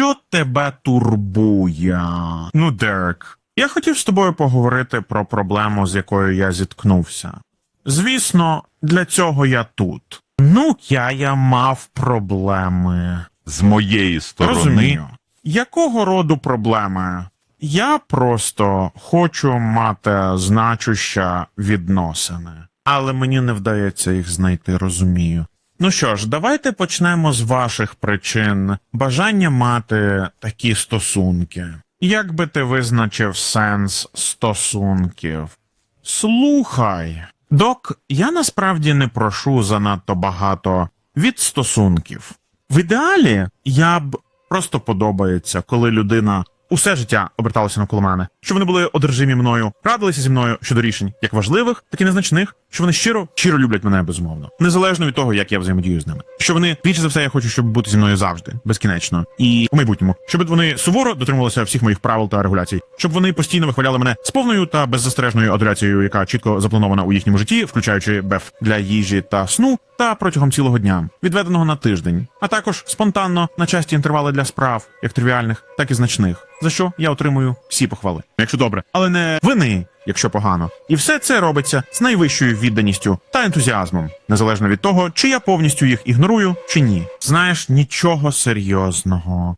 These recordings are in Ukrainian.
Що тебе турбує? Ну, Дерек, я хотів з тобою поговорити про проблему, з якою я зіткнувся. Звісно, для цього я тут. Ну, я мав проблеми. З моєї сторони. Розумію. Якого роду проблеми? Я просто хочу мати значущі відносини. Але мені не вдається їх знайти, розумію. Ну що ж, давайте почнемо з ваших причин бажання мати такі стосунки. Як би ти визначив сенс стосунків? Слухай, док, я насправді не прошу занадто багато від стосунків. В ідеалі я б просто подобається, коли людина усе життя оберталася навколо мене, що вони були одержимі мною, радилися зі мною щодо рішень, як важливих, так і незначних, що вони щиро люблять мене, безумовно. Незалежно від того, як я взаємодію з ними. Що вони, більше за все, я хочу, щоб бути зі мною завжди, безкінечно. І у майбутньому. Щоб вони суворо дотримувалися всіх моїх правил та регуляцій. Щоб вони постійно вихваляли мене з повною та беззастережною адуляцією, яка чітко запланована у їхньому житті, включаючи БЕФ для їжі та сну, та протягом цілого дня, відведеного на тиждень. А також спонтанно на часті інтервали для справ, як тривіальних, так і значних. За що я отримую всі похвали. Якщо добре, але не вини, якщо погано. І все це робиться з найвищою відданістю та ентузіазмом, незалежно від того, чи я повністю їх ігнорую, чи ні. Знаєш, нічого серйозного.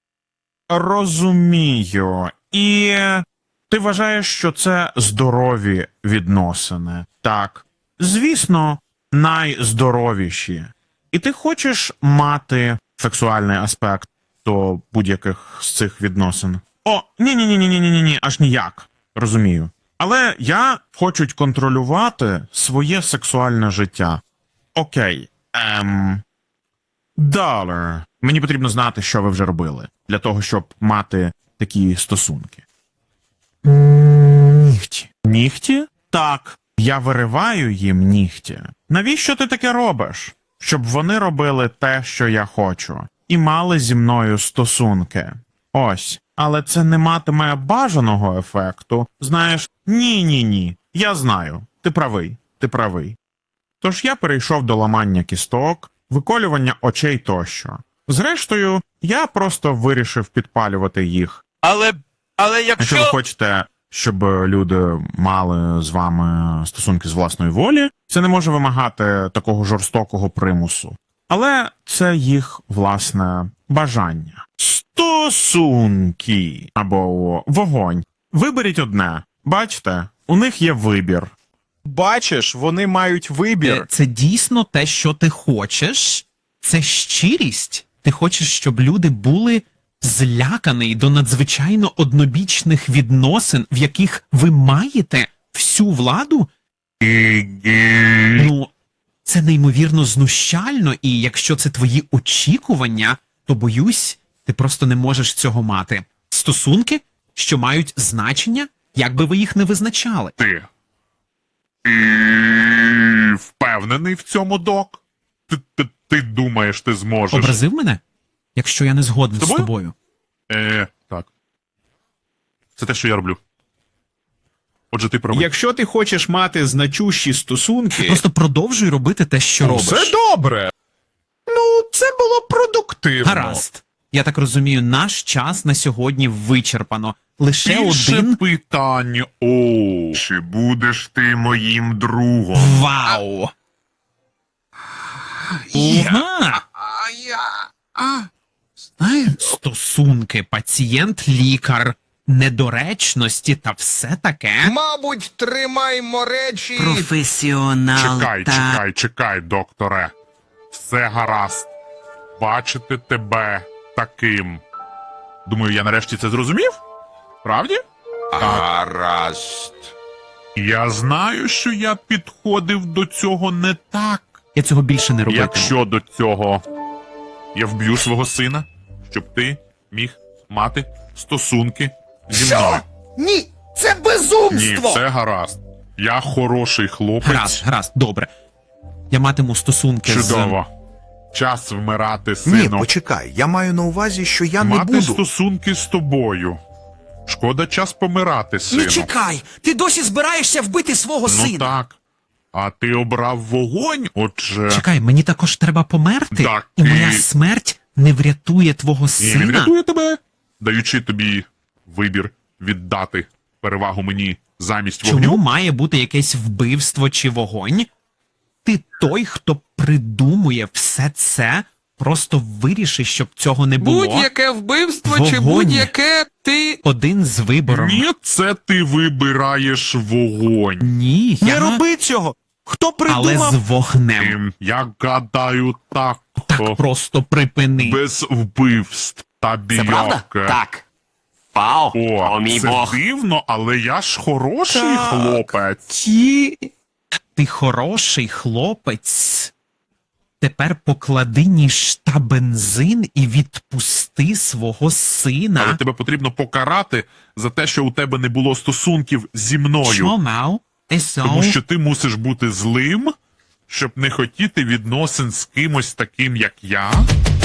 Розумію. І ти вважаєш, що це здорові відносини. Так. Звісно, найздоровіші. І ти хочеш мати сексуальний аспект до будь-яких з цих відносин. О, ні, аж ніяк. Розумію. Але я хочу контролювати своє сексуальне життя. Окей. Долар. Мені потрібно знати, що ви вже робили, для того, щоб мати такі стосунки. Нігті. Нігті? Так. Я вириваю їм нігті. Навіщо ти таке робиш? Щоб вони робили те, що я хочу. І мали зі мною стосунки. Ось. Але це не матиме бажаного ефекту. Знаєш, ні. Я знаю. Ти правий. Тож я перейшов до ламання кісток, виколювання очей тощо. Зрештою, я просто вирішив підпалювати їх. Але Якщо ви хочете, щоб люди мали з вами стосунки з власної волі, це не може вимагати такого жорстокого примусу. Але це їх власне бажання. Стосунки або вогонь. Виберіть одне. Бачите, у них є вибір. Бачиш, вони мають вибір. Це дійсно те, що ти хочеш? Це щирість? Ти хочеш, щоб люди були злякані до надзвичайно однобічних відносин, в яких ви маєте всю владу? Ну, це неймовірно знущально, і якщо це твої очікування, то, боюсь, ти просто не можеш цього мати. Стосунки, що мають значення, як би ви їх не визначали. ти впевнений в цьому, док? Ти думаєш, ти зможеш? Образив мене? Якщо я не згоден з тобою? Так. Це те, що я роблю. Отже, ти правий. Якщо ти хочеш мати значущі стосунки, Просто продовжуй робити те, що робиш. все добре. Ну, це було продуктивно. Гаразд. Я так розумію, наш час на сьогодні вичерпано. Лише Більше один... питань. Чи будеш ти моїм другом? Вау! Ага! Стосунки, пацієнт, лікар, недоречності та все таке. Мабуть, тримаймо речі. Професіонал Чекай, докторе. Все гаразд. Бачити тебе таким. Думаю, я нарешті це зрозумів? Правді? Гаразд. Я знаю, що я підходив до цього не так. Я цього більше не робитиму. Якщо до цього я вб'ю свого сина, щоб ти міг мати стосунки зі мною. Ні, це Ні, безумство! все гаразд. Я хороший хлопець. Гаразд, добре. Я матиму стосунки Чудово. Час вмирати, Ні, сину. почекай, я маю на увазі, що я не Мати буду. стосунки з тобою. Шкода час помирати, сину. Не чекай, ти досі збираєшся вбити свого Ну сина. так. А ти обрав вогонь, отже... Чекай, мені також треба померти, Так, і моя і- смерть не врятує твого І сина? він рятує тебе, даючи тобі вибір віддати перевагу мені замість Чому вогню. має бути якесь вбивство чи вогонь? Ти той, хто придумує все це, просто виріши, щоб цього не було. Будь-яке вбивство чи Вогонь. будь-яке ти. Один з вибором. Ні, це ти вибираєш вогонь. Ні, Не я... роби цього! Хто Але придумав? з вогнем. Я гадаю так. Так просто припини. Без вбивств та бійок. Це правда? Так. Вау, о мій це Бог. дивно, але я ж хороший Так. хлопець. Ті. Ти хороший хлопець. Тепер поклади ніж та бензин і відпусти свого сина. Але тебе потрібно покарати за те, що у тебе не було стосунків зі мною. Чому? Тому що ти мусиш бути злим, щоб не хотіти відносин з кимось таким, як я.